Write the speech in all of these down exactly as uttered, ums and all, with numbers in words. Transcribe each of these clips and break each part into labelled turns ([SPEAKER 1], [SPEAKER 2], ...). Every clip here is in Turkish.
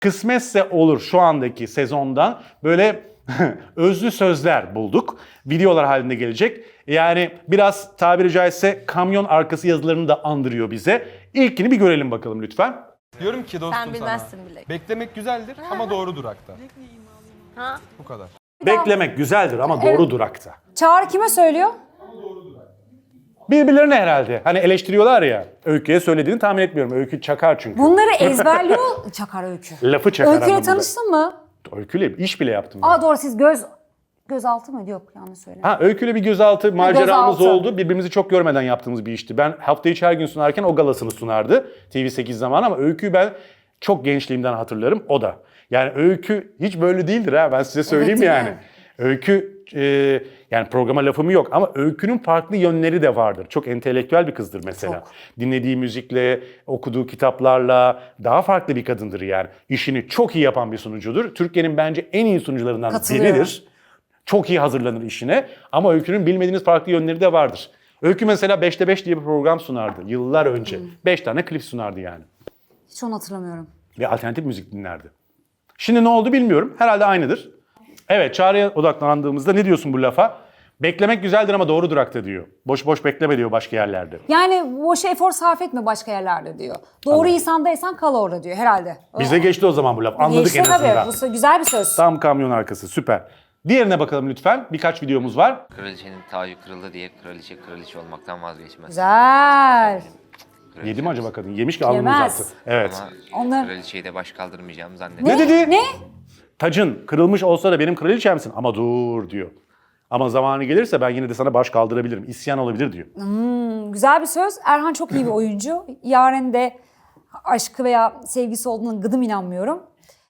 [SPEAKER 1] Kısmetse olur şu andaki sezondan böyle özlü sözler bulduk. Videolar halinde gelecek. Yani biraz tabiri caizse kamyon arkası yazılarını da andırıyor bize. İlkini bir görelim bakalım lütfen.
[SPEAKER 2] Diyorum ki dostum
[SPEAKER 3] Sen bilmezsin
[SPEAKER 2] sana.
[SPEAKER 3] bile.
[SPEAKER 2] Beklemek güzeldir ama doğru durakta.
[SPEAKER 3] Ha?
[SPEAKER 2] Bu kadar.
[SPEAKER 1] Beklemek güzeldir ama doğru durakta.
[SPEAKER 4] Çağrı kime söylüyor?
[SPEAKER 1] Birbirlerine herhalde. Hani eleştiriyorlar ya. Öykü'ye söylediğini tahmin etmiyorum. Öykü çakar çünkü.
[SPEAKER 4] Bunları ezberliyor. Çakar Öykü.
[SPEAKER 1] Lafı çakar
[SPEAKER 4] Öykü'yle
[SPEAKER 1] anlamında.
[SPEAKER 4] tanıştın mı?
[SPEAKER 1] Öykü'yle iş bile yaptım ben.
[SPEAKER 4] Aa doğru, siz göz gözaltı mı? Yok, yanlış söyledim.
[SPEAKER 1] Ha, Öykü'yle bir gözaltı maceramız
[SPEAKER 4] gözaltı.
[SPEAKER 1] oldu. Birbirimizi çok görmeden yaptığımız bir işti. Ben hafta içi her gün sunarken o galasını sunardı. T V sekiz zamanı ama Öykü'yü ben çok gençliğimden hatırlarım. O da. Yani Öykü hiç böyle değildir ha, ben size söyleyeyim
[SPEAKER 4] Evet,
[SPEAKER 1] yani.
[SPEAKER 4] değil mi?
[SPEAKER 1] Öykü e, yani programa lafım yok ama Öykü'nün farklı yönleri de vardır. Çok entelektüel bir kızdır mesela.
[SPEAKER 4] Çok.
[SPEAKER 1] Dinlediği müzikle, okuduğu kitaplarla daha farklı bir kadındır yani. İşini çok iyi yapan bir sunucudur. Türkiye'nin bence en iyi sunucularından
[SPEAKER 4] Katılıyorum.
[SPEAKER 1] biridir. Çok iyi hazırlanır işine ama Öykü'nün bilmediğiniz farklı yönleri de vardır. Öykü mesela beşte beş diye bir program sunardı yıllar önce. beş tane klip sunardı yani.
[SPEAKER 4] Hiç onu hatırlamıyorum.
[SPEAKER 1] Ve alternatif müzik dinlerdi. Şimdi ne oldu bilmiyorum. Herhalde aynıdır. Evet, Çağrı'ya odaklandığımızda ne diyorsun bu lafa? Beklemek güzeldir ama doğru durakta diyor. Boş boş bekleme diyor başka yerlerde.
[SPEAKER 4] Yani boş efor sarf etme başka yerlerde diyor. Doğru insandaysan kal orada diyor herhalde.
[SPEAKER 1] Bize geçti o zaman bu laf. Anladık
[SPEAKER 4] Geçti
[SPEAKER 1] en
[SPEAKER 4] tabii.
[SPEAKER 1] azından.
[SPEAKER 4] Bu sö- güzel bir söz.
[SPEAKER 1] Tam kamyon arkası, süper. Diğerine bakalım lütfen. Birkaç videomuz var.
[SPEAKER 5] Kraliçenin tacı kırıldı diye kraliçe kraliçe olmaktan vazgeçmez.
[SPEAKER 4] Güzel.
[SPEAKER 5] Kraliçe
[SPEAKER 1] Yedi mi acaba kadın? Yemiş ki alnını
[SPEAKER 4] Yemez.
[SPEAKER 1] uzattı. Evet.
[SPEAKER 5] Ama
[SPEAKER 4] Onlar-
[SPEAKER 5] kraliçeyi de baş kaldırmayacağımı zannediyorum.
[SPEAKER 1] Ne dedi?
[SPEAKER 4] Ne?
[SPEAKER 1] Tacın kırılmış olsa da benim kraliçemsin ama dur diyor. Ama zamanı gelirse ben yine de sana baş kaldırabilirim. İsyan olabilir diyor.
[SPEAKER 4] Güzel bir söz. Erhan çok iyi bir oyuncu. Yaren de aşkı veya sevgisi olduğuna gıdım inanmıyorum.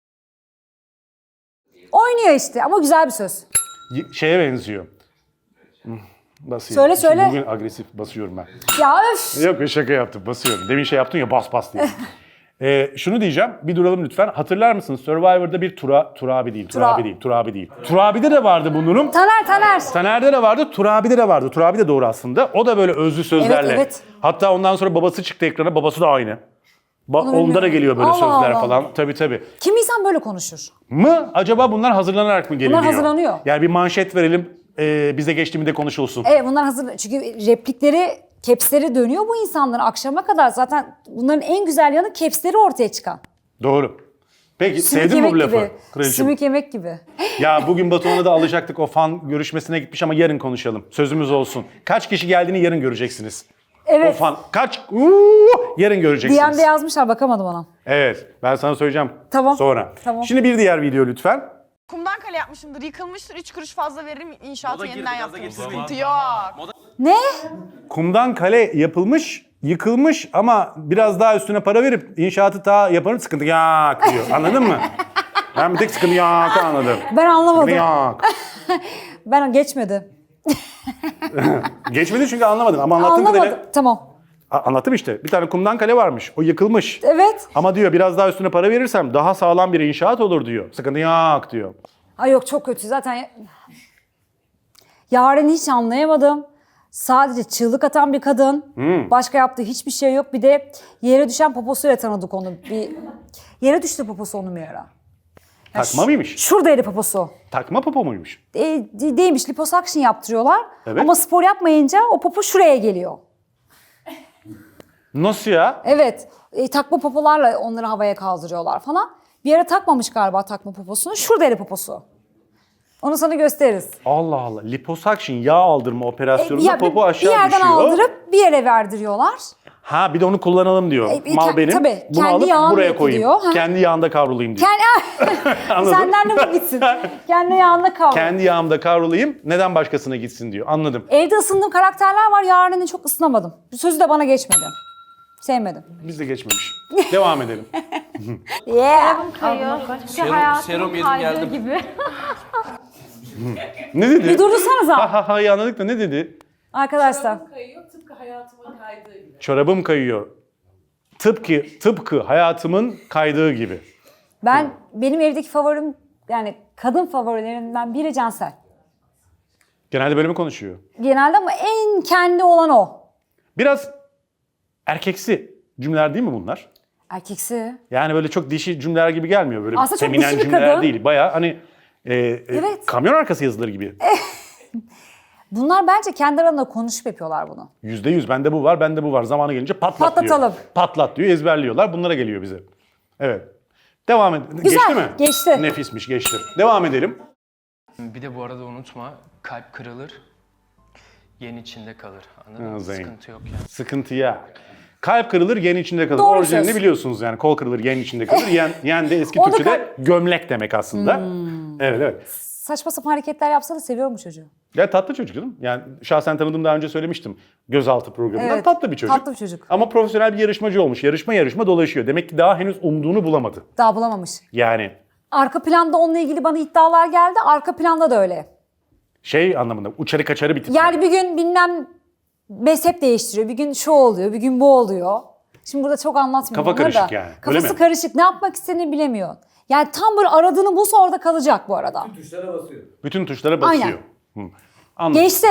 [SPEAKER 4] Oynuyor işte ama güzel bir söz.
[SPEAKER 1] Y- Şeye benziyor. Hmm, Basayım.
[SPEAKER 4] Söyle,
[SPEAKER 1] Şimdi
[SPEAKER 4] söyle.
[SPEAKER 1] Bugün agresif basıyorum ben.
[SPEAKER 4] Ya öf.
[SPEAKER 1] Yok, şaka yaptım, basıyorum. Demin şey yaptın ya, bas bas diye. Ee, şunu diyeceğim, bir duralım lütfen. Hatırlar mısınız Survivor'da bir Tura, Turabi değil, Turabi
[SPEAKER 4] Tura-
[SPEAKER 1] değil, Turabi değil. Turabi'de de vardı bu durum.
[SPEAKER 4] Taner Taner.
[SPEAKER 1] Taner'de de vardı, Turabi'de de vardı. Turabi de doğru aslında. O da böyle özlü sözlerle.
[SPEAKER 4] Evet, evet.
[SPEAKER 1] Hatta ondan sonra babası çıktı ekrana, babası da aynı. Ba-
[SPEAKER 4] Onu
[SPEAKER 1] onda da
[SPEAKER 4] bilmiyorum.
[SPEAKER 1] geliyor böyle
[SPEAKER 4] Allah
[SPEAKER 1] sözler
[SPEAKER 4] Allah.
[SPEAKER 1] falan. Tabii tabii.
[SPEAKER 4] Kim insan böyle konuşur?
[SPEAKER 1] Mı? Acaba bunlar hazırlanarak mı geliniyor?
[SPEAKER 4] hazırlanıyor.
[SPEAKER 1] Yani bir manşet verelim, e, bize geçtiğimde konuşulsun.
[SPEAKER 4] Evet, bunlar hazır. Çünkü replikleri, capsleri dönüyor bu insanların akşama kadar. Zaten bunların en güzel yanı capsleri ortaya çıkan.
[SPEAKER 1] Doğru. Peki
[SPEAKER 4] Sümük
[SPEAKER 1] sevdin mi
[SPEAKER 4] yemek
[SPEAKER 1] bu lafı?
[SPEAKER 4] gibi.
[SPEAKER 1] Kraliçem?
[SPEAKER 4] Sümük yemek gibi.
[SPEAKER 1] Ya bugün Batuhan'ı da alacaktık, o fan görüşmesine gitmiş ama yarın konuşalım. Sözümüz olsun. Kaç kişi geldiğini yarın göreceksiniz. O
[SPEAKER 4] Evet.
[SPEAKER 1] fan kaç? Uuu, yarın göreceksiniz.
[SPEAKER 4] D M'de yazmışlar, bakamadım ona.
[SPEAKER 1] Evet, ben sana söyleyeceğim
[SPEAKER 4] Tamam.
[SPEAKER 1] sonra.
[SPEAKER 4] Tamam.
[SPEAKER 1] Şimdi bir diğer video lütfen.
[SPEAKER 6] Kumdan kale yapmışımdır, yıkılmıştır, üç kuruş fazla veririm, inşaatı yeniden yaptırırım. Sıkıntı yok.
[SPEAKER 4] Ne?
[SPEAKER 1] Kumdan kale yapılmış, yıkılmış ama biraz daha üstüne para verip inşaatı daha yaparım, sıkıntı yok diyor. Anladın mı? Ben bir tek sıkıntı yok anladım.
[SPEAKER 4] Ben anlamadım.
[SPEAKER 1] Sıkıntı yok.
[SPEAKER 4] Ben geçmedi.
[SPEAKER 1] Geçmedi çünkü anlamadım ama anlattığım
[SPEAKER 4] Anlamadım.
[SPEAKER 1] kadarıyla...
[SPEAKER 4] Tamam.
[SPEAKER 1] A- Anlattım işte. Bir tane kumdan kale varmış. O yıkılmış.
[SPEAKER 4] Evet.
[SPEAKER 1] Ama diyor biraz daha üstüne para verirsem daha sağlam bir inşaat olur diyor. Sıkıntı yok diyor.
[SPEAKER 4] Ay yok, çok kötü. Zaten Yaren'i hiç anlayamadım. Sadece çığlık atan bir kadın.
[SPEAKER 1] Hmm.
[SPEAKER 4] Başka yaptığı hiçbir şey yok. Bir de yere düşen poposuyla tanıdık onu. Bir yere düştü poposu onun bir ara. Ya
[SPEAKER 1] Takma
[SPEAKER 4] ş-
[SPEAKER 1] mıymış?
[SPEAKER 4] Şuradaydı poposu.
[SPEAKER 1] Takma popo muymuş?
[SPEAKER 4] E, de- değilmiş, liposuction yaptırıyorlar.
[SPEAKER 1] Evet.
[SPEAKER 4] Ama spor yapmayınca o popo şuraya geliyor.
[SPEAKER 1] Nasıl ya?
[SPEAKER 4] Evet. E, takma popolarla onları havaya kaldırıyorlar falan. Bir ara takmamış galiba takma poposunu. Şuradaydı poposu. Onu sana gösteririz.
[SPEAKER 1] Allah Allah. Liposuction, yağ aldırma operasyonunda
[SPEAKER 4] E, Ya,
[SPEAKER 1] popo
[SPEAKER 4] bir
[SPEAKER 1] aşağı
[SPEAKER 4] yerden
[SPEAKER 1] düşüyor.
[SPEAKER 4] aldırıp bir yere verdiriyorlar.
[SPEAKER 1] Ha bir de onu kullanalım diyor.
[SPEAKER 4] E, e,
[SPEAKER 1] Mal
[SPEAKER 4] ke-
[SPEAKER 1] benim.
[SPEAKER 4] tabii,
[SPEAKER 1] Bunu
[SPEAKER 4] kendi
[SPEAKER 1] alıp
[SPEAKER 4] yağınla
[SPEAKER 1] buraya koyayım.
[SPEAKER 4] yapılıyor. Ha.
[SPEAKER 1] Kendi yağında kavrulayım diyor.
[SPEAKER 4] Kendi...
[SPEAKER 1] Anladım.
[SPEAKER 4] Senden de mi gitsin? Kendi yağında kal.
[SPEAKER 1] Kendi yağımda kavrulayım. Neden başkasına gitsin diyor. Anladım.
[SPEAKER 4] Evde ısındığım karakterler var. Yaren'i çok ısınamadım. Bu sözü de bana geçmedi. Sevmedim.
[SPEAKER 1] Biz de geçmemiş. Devam edelim.
[SPEAKER 4] Yeah.
[SPEAKER 2] Serum, serum yedim geldim.
[SPEAKER 3] gibi.
[SPEAKER 1] Ne dedi?
[SPEAKER 4] Bir durdursanıza
[SPEAKER 1] Ha ha ha anladık da ne dedi?
[SPEAKER 4] arkadaşlar.
[SPEAKER 7] Kayıyor tıpkı hayatımın kaydığı gibi.
[SPEAKER 1] Çorabım kayıyor. Tıpkı tıpkı hayatımın kaydığı gibi.
[SPEAKER 4] Ben benim evdeki favorim, yani kadın favorilerimden biri Cansel.
[SPEAKER 1] Genelde böyle mi konuşuyor?
[SPEAKER 4] Genelde ama en kendi olan o.
[SPEAKER 1] Biraz erkeksi cümleler değil mi bunlar?
[SPEAKER 4] Erkeksi.
[SPEAKER 1] Yani böyle çok dişi cümleler gibi gelmiyor. Böyle
[SPEAKER 4] Aslında çok
[SPEAKER 1] feminen
[SPEAKER 4] dişi bir
[SPEAKER 1] cümleler
[SPEAKER 4] kadın.
[SPEAKER 1] değil. Bayağı hani e, e,
[SPEAKER 4] Evet.
[SPEAKER 1] kamyon arkası yazıları gibi.
[SPEAKER 4] Bunlar bence kendi aralarında konuşup yapıyorlar bunu.
[SPEAKER 1] Yüzde yüz bende bu var, bende bu var. Zamanı gelince patlat
[SPEAKER 4] Patlatalım.
[SPEAKER 1] diyor. Patlat diyor, ezberliyorlar. Bunlara geliyor bize. Evet. Devam et. Geçti mi?
[SPEAKER 4] geçti.
[SPEAKER 1] Nefismiş, geçti. Devam edelim.
[SPEAKER 3] Bir de bu arada unutma, kalp kırılır, yen içinde kalır. Anladın
[SPEAKER 1] Ha,
[SPEAKER 3] mı?
[SPEAKER 1] Zeyn.
[SPEAKER 3] Sıkıntı yok yani.
[SPEAKER 1] Sıkıntı ya. Kalp kırılır, yen içinde kalır.
[SPEAKER 4] Doğru
[SPEAKER 1] Orijinalini
[SPEAKER 4] söz.
[SPEAKER 1] biliyorsunuz yani. Kol kırılır, yen içinde kalır. Yen, yen de eski
[SPEAKER 4] Onu
[SPEAKER 1] Türkçe'de gömlek demek aslında.
[SPEAKER 4] Hmm.
[SPEAKER 1] Evet, evet.
[SPEAKER 4] Saçma sapan hareketler yapsa da seviyorum bu çocuğu.
[SPEAKER 1] Ya tatlı çocuk canım. Yani şahsen tanıdığım daha önce söylemiştim. Gözaltı programında.
[SPEAKER 4] Evet,
[SPEAKER 1] Tatlı bir çocuk.
[SPEAKER 4] tatlı bir çocuk.
[SPEAKER 1] Ama profesyonel bir yarışmacı olmuş. Yarışma yarışma dolaşıyor. Demek ki daha henüz umduğunu bulamadı.
[SPEAKER 4] Daha bulamamış.
[SPEAKER 1] Yani
[SPEAKER 4] Arka planda onunla ilgili bana iddialar geldi. Arka planda da öyle.
[SPEAKER 1] şey anlamında uçarı kaçarı bir tip.
[SPEAKER 4] Yani bir gün bilmem mezhep değiştiriyor. Bir gün şu oluyor, bir gün bu oluyor. Şimdi burada çok anlatmıyorum.
[SPEAKER 1] Kafa
[SPEAKER 4] bunları
[SPEAKER 1] karışık
[SPEAKER 4] da.
[SPEAKER 1] yani, öyle
[SPEAKER 4] Kafası
[SPEAKER 1] mi?
[SPEAKER 4] karışık. Ne yapmak istediğini bilemiyor. Yani tam böyle aradığını bulsa orada kalacak bu arada.
[SPEAKER 7] Tuşlara basıyor.
[SPEAKER 1] Bütün tuşlara basıyor.
[SPEAKER 4] Aynen.
[SPEAKER 1] Hı. Anladım.
[SPEAKER 4] Geçti.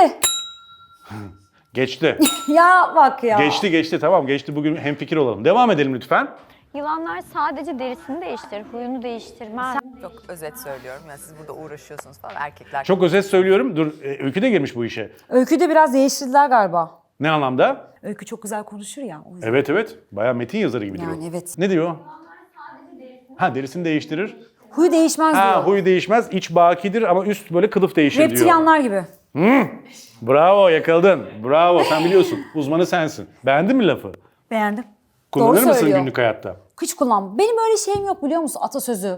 [SPEAKER 1] Geçti.
[SPEAKER 4] Ya bak ya.
[SPEAKER 1] Geçti geçti tamam geçti. Bugün hemfikir olalım. Devam edelim lütfen.
[SPEAKER 8] Yılanlar sadece derisini değiştirir, huyunu değiştirmez.
[SPEAKER 9] Çok özet söylüyorum. Yani siz burada uğraşıyorsunuz falan erkekler.
[SPEAKER 1] Çok özet söylüyorum. Dur e, Öykü de girmiş bu işe.
[SPEAKER 4] Öyküde biraz değiştirdiler galiba.
[SPEAKER 1] Ne anlamda?
[SPEAKER 4] Öykü çok güzel konuşur ya. O yüzden.
[SPEAKER 1] Evet evet. Bayağı metin yazarı gibidir
[SPEAKER 4] Yani
[SPEAKER 1] o.
[SPEAKER 4] evet.
[SPEAKER 1] Ne diyor? Ha derisini değiştirir.
[SPEAKER 4] Huyu değişmez
[SPEAKER 1] Ha
[SPEAKER 4] diyor.
[SPEAKER 1] huyu değişmez. İç bakidir ama üst böyle kılıf değişir diyor.
[SPEAKER 4] Reptilyanlar gibi.
[SPEAKER 1] Bravo yakaladın. Bravo sen biliyorsun. Uzmanı sensin. Beğendin mi lafı?
[SPEAKER 4] Beğendim.
[SPEAKER 1] Kullanır
[SPEAKER 4] Doğru
[SPEAKER 1] mısın
[SPEAKER 4] söylüyor.
[SPEAKER 1] günlük hayatta?
[SPEAKER 4] Hiç kullan. Benim öyle şeyim yok biliyor musun? Atasözü.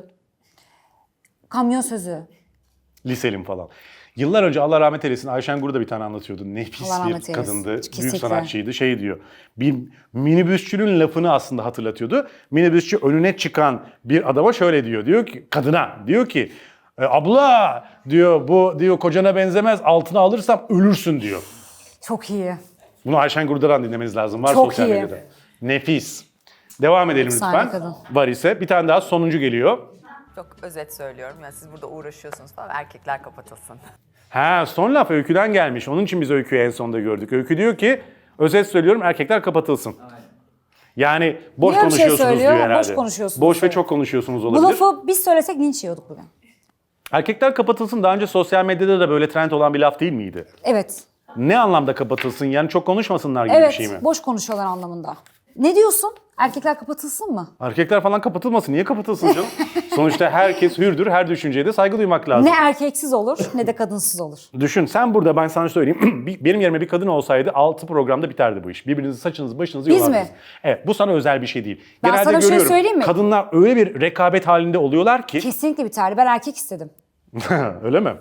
[SPEAKER 4] Kamyon sözü.
[SPEAKER 1] Liselim falan. Yıllar önce Allah rahmet eylesin Ayşen Gur'da bir tane anlatıyordu. Nefis
[SPEAKER 4] Allah rahmet
[SPEAKER 1] bir
[SPEAKER 4] eylesin.
[SPEAKER 1] kadındı. Büyük
[SPEAKER 4] Kesinlikle.
[SPEAKER 1] sanatçıydı. Şey diyor. Bir minibüsçünün lafını aslında hatırlatıyordu. Minibüsçü önüne çıkan bir adama şöyle diyor. Diyor ki kadına diyor ki "E, abla diyor bu diyor kocana benzemez altına alırsam ölürsün diyor.
[SPEAKER 4] Çok iyi.
[SPEAKER 1] Bunu Ayşen Gur'dan dinlemeniz lazım. Var
[SPEAKER 4] Çok
[SPEAKER 1] sosyal
[SPEAKER 4] iyi.
[SPEAKER 1] medyada. Nefis. Devam edelim
[SPEAKER 4] Efsane
[SPEAKER 1] lütfen.
[SPEAKER 4] kadın.
[SPEAKER 1] Var ise bir tane daha sonuncu geliyor.
[SPEAKER 9] Çok özet söylüyorum. Yani siz burada uğraşıyorsunuz falan erkekler kapatılsın.
[SPEAKER 1] Ha son laf Öykü'den gelmiş. Onun için biz Öykü'yü en sonda gördük. Öykü diyor ki özet söylüyorum erkekler kapatılsın. Yani boş
[SPEAKER 4] Niye öyle bir şey
[SPEAKER 1] konuşuyorsunuz
[SPEAKER 4] söylüyor?
[SPEAKER 1] diyor herhalde.
[SPEAKER 4] Boş konuşuyorsunuz
[SPEAKER 1] Boş ve
[SPEAKER 4] diyor.
[SPEAKER 1] çok konuşuyorsunuz
[SPEAKER 4] Bu
[SPEAKER 1] olabilir.
[SPEAKER 4] lafı biz söylesek linç yiyorduk bugün.
[SPEAKER 1] Erkekler kapatılsın daha önce sosyal medyada da böyle trend olan bir laf değil miydi?
[SPEAKER 4] Evet.
[SPEAKER 1] Ne anlamda kapatılsın? Yani çok konuşmasınlar gibi
[SPEAKER 4] Evet.
[SPEAKER 1] bir şey mi?
[SPEAKER 4] Boş konuşuyorlar anlamında. Ne diyorsun? Erkekler kapatılsın mı?
[SPEAKER 1] Erkekler falan kapatılmasın. Niye kapatılsın canım? Sonuçta herkes hürdür. Her düşünceye de saygı duymak lazım.
[SPEAKER 4] Ne erkeksiz olur ne de kadınsız olur.
[SPEAKER 1] Düşün sen burada ben sana söyleyeyim. Bir- Benim yerime bir kadın olsaydı altı programda biterdi bu iş. Birbirinizi saçınızı başınızı
[SPEAKER 4] Biz
[SPEAKER 1] yolardınız.
[SPEAKER 4] mi?
[SPEAKER 1] Evet bu sana özel bir şey değil.
[SPEAKER 4] Ben
[SPEAKER 1] Genelde
[SPEAKER 4] sana bir şey
[SPEAKER 1] görüyorum.
[SPEAKER 4] söyleyeyim mi?
[SPEAKER 1] Kadınlar öyle bir rekabet halinde oluyorlar ki.
[SPEAKER 4] Kesinlikle biterdi. Ben erkek istedim.
[SPEAKER 1] Öyle mi?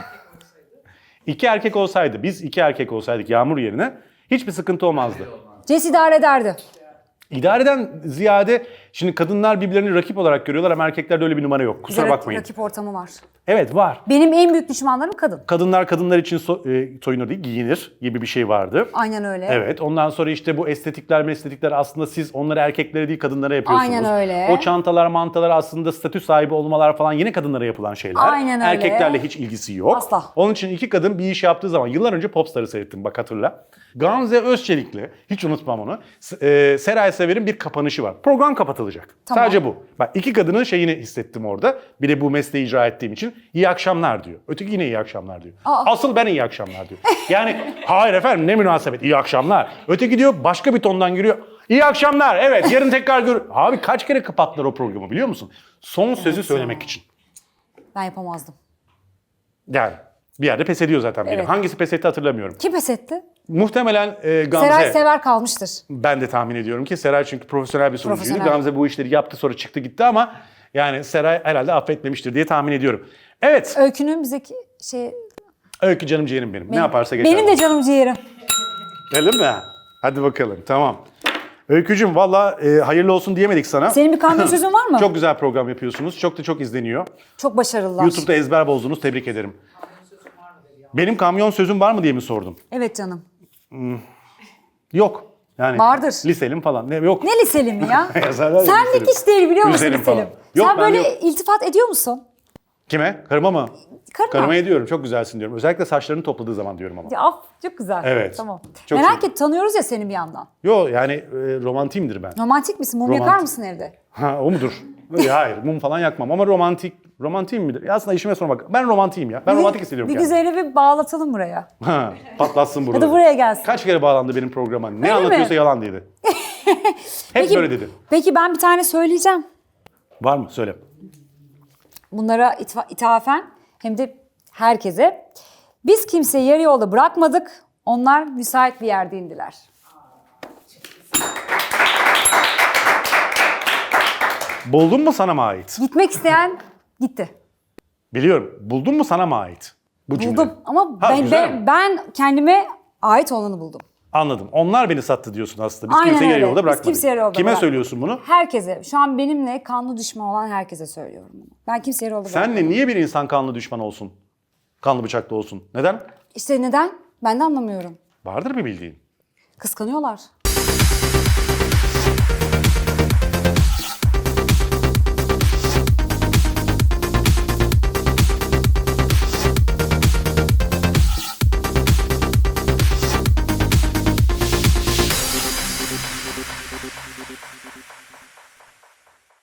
[SPEAKER 1] İki erkek olsaydı biz iki erkek olsaydık Yağmur yerine hiçbir sıkıntı olmazdı.
[SPEAKER 4] Ces idare ederdi.
[SPEAKER 1] İdareden ziyade şimdi kadınlar birbirlerini rakip olarak görüyorlar ama erkeklerde öyle bir numara yok. Kusura
[SPEAKER 4] Rak-
[SPEAKER 1] bakmayın.
[SPEAKER 4] Rakip ortamı var.
[SPEAKER 1] Evet var.
[SPEAKER 4] Benim en büyük düşmanlarım kadın.
[SPEAKER 1] Kadınlar kadınlar için so- e, soyunur değil giyinir gibi bir şey vardı.
[SPEAKER 4] Aynen öyle.
[SPEAKER 1] Evet. Ondan sonra işte bu estetikler meslekler aslında siz onları erkeklere değil kadınlara yapıyorsunuz.
[SPEAKER 4] Aynen öyle.
[SPEAKER 1] O çantalar mantalar aslında statü sahibi olmalar falan yine kadınlara yapılan şeyler.
[SPEAKER 4] Aynen öyle.
[SPEAKER 1] Erkeklerle hiç ilgisi yok.
[SPEAKER 4] Asla.
[SPEAKER 1] Onun için iki kadın bir iş yaptığı zaman yıllar önce Popstar'ı seyrettim bak hatırla. Gamze Özçelik'le hiç unutmam onu. S- e, Seray Sever'in bir kapanışı var. Program kapatılacak.
[SPEAKER 4] Tamam.
[SPEAKER 1] Sadece bu. Bak iki kadının şeyini hissettim orada. Bir de bu mesleği icra ettiğim için iyi akşamlar diyor. Öteki yine iyi akşamlar diyor.
[SPEAKER 4] Aa.
[SPEAKER 1] Asıl ben iyi akşamlar diyor. Yani hayır efendim ne münasebet iyi akşamlar. Öteki diyor başka bir tondan giriyor. İyi akşamlar evet yarın tekrar gör. Abi kaç kere kapattılar o programı biliyor musun? Son sözü söylemek için.
[SPEAKER 4] Ben yapamazdım.
[SPEAKER 1] Yani bir yerde pes ediyor zaten benim.
[SPEAKER 4] Evet.
[SPEAKER 1] Hangisi pes etti hatırlamıyorum.
[SPEAKER 4] Kim pes etti?
[SPEAKER 1] Muhtemelen e, Gamze.
[SPEAKER 4] Seray Sever kalmıştır.
[SPEAKER 1] Ben de tahmin ediyorum ki Seray çünkü profesyonel bir sunucuydu.
[SPEAKER 4] Profesyonel.
[SPEAKER 1] Gamze bu işleri yaptı sonra çıktı gitti ama yani Seray herhalde affetmemiştir diye tahmin ediyorum. Evet.
[SPEAKER 4] Öykünün bizdeki şey...
[SPEAKER 1] Öykü canım ciğerim benim. Ne
[SPEAKER 4] benim-
[SPEAKER 1] yaparsa geçer.
[SPEAKER 4] Benim de canım ciğerim.
[SPEAKER 1] Öyle mi? Hadi bakalım tamam. Öykücüm valla e, hayırlı olsun diyemedik sana.
[SPEAKER 4] Senin bir kamyon sözün var mı?
[SPEAKER 1] Çok güzel program yapıyorsunuz. Çok da çok izleniyor.
[SPEAKER 4] Çok başarılılar.
[SPEAKER 1] YouTube'da ezber bozdunuz. Tebrik ederim. Benim kamyon sözüm var mı diye mi sordum?
[SPEAKER 4] Evet canım.
[SPEAKER 1] Yok. Yani
[SPEAKER 4] Vardır.
[SPEAKER 1] Liselim falan. Ne, yok.
[SPEAKER 4] Ne liseli mi ya?
[SPEAKER 1] Yazarlar ya,
[SPEAKER 4] Senlik
[SPEAKER 1] liselim.
[SPEAKER 4] hiç değil biliyor musun
[SPEAKER 1] Liselim
[SPEAKER 4] liselim?
[SPEAKER 1] falan. Yok,
[SPEAKER 4] Sen
[SPEAKER 1] ben
[SPEAKER 4] böyle
[SPEAKER 1] yok.
[SPEAKER 4] iltifat ediyor musun?
[SPEAKER 1] Kime? Karıma mı?
[SPEAKER 4] Karına.
[SPEAKER 1] Karıma ediyorum. Çok güzelsin diyorum. Özellikle saçlarını topladığı zaman diyorum ama.
[SPEAKER 4] Ya, af, çok güzel.
[SPEAKER 1] Evet.
[SPEAKER 4] Tamam.
[SPEAKER 1] Çok
[SPEAKER 4] Merak
[SPEAKER 1] sevindim.
[SPEAKER 4] et, tanıyoruz ya seni bir yandan.
[SPEAKER 1] Yo yani e, romantiyimdir ben.
[SPEAKER 4] Romantik misin? Mum
[SPEAKER 1] Romantik.
[SPEAKER 4] yakar mısın evde?
[SPEAKER 1] Ha o mudur? Ya, hayır mum falan yakmam ama romantik. Romantiyim midir? Ya aslında işime sormak. Ben romantiyim ya. Ben
[SPEAKER 4] Bir-
[SPEAKER 1] romantik hissediyorum
[SPEAKER 4] Bir
[SPEAKER 1] kendimi.
[SPEAKER 4] güzeli bir bağlatalım buraya.
[SPEAKER 1] Ha, patlatsın
[SPEAKER 4] Ya
[SPEAKER 1] buraları.
[SPEAKER 4] da buraya gelsin.
[SPEAKER 1] Kaç kere bağlandı benim programa? Ne
[SPEAKER 4] Öyle
[SPEAKER 1] anlatıyorsa
[SPEAKER 4] mi?
[SPEAKER 1] yalan dedi. Hep böyle dedi.
[SPEAKER 4] Peki ben bir tane söyleyeceğim.
[SPEAKER 1] Var mı? Söyle.
[SPEAKER 4] Bunlara itfa- ithafen hem de herkese. Biz kimseyi yarı yolda bırakmadık. Onlar müsait bir yerde indiler.
[SPEAKER 1] Buldun mu sana mı ait?
[SPEAKER 4] Gitmek isteyen gitti.
[SPEAKER 1] Biliyorum. Buldun mu sana mı ait? Bu cümle.
[SPEAKER 4] Buldum ama
[SPEAKER 1] Ha,
[SPEAKER 4] ben,
[SPEAKER 1] güzel
[SPEAKER 4] ben,
[SPEAKER 1] mi?
[SPEAKER 4] ben kendime ait olanı buldum.
[SPEAKER 1] Anladım. Onlar beni sattı diyorsun aslında. Biz
[SPEAKER 4] Aynen
[SPEAKER 1] kimseyi yarı
[SPEAKER 4] öyle.
[SPEAKER 1] yolda
[SPEAKER 4] Biz
[SPEAKER 1] bırakmadık.
[SPEAKER 4] kimseyi yarı yolda
[SPEAKER 1] Kime
[SPEAKER 4] bırakmadık.
[SPEAKER 1] söylüyorsun bunu?
[SPEAKER 4] Herkese, şu an benimle kanlı düşman olan herkese söylüyorum bunu. Ben kimseye yarı yolda bırakmadım.
[SPEAKER 1] Senle niye bir insan kanlı düşman olsun? Kanlı bıçaklı olsun. Neden?
[SPEAKER 4] İşte neden? Ben de anlamıyorum.
[SPEAKER 1] Vardır bir bildiğin.
[SPEAKER 4] Kıskanıyorlar.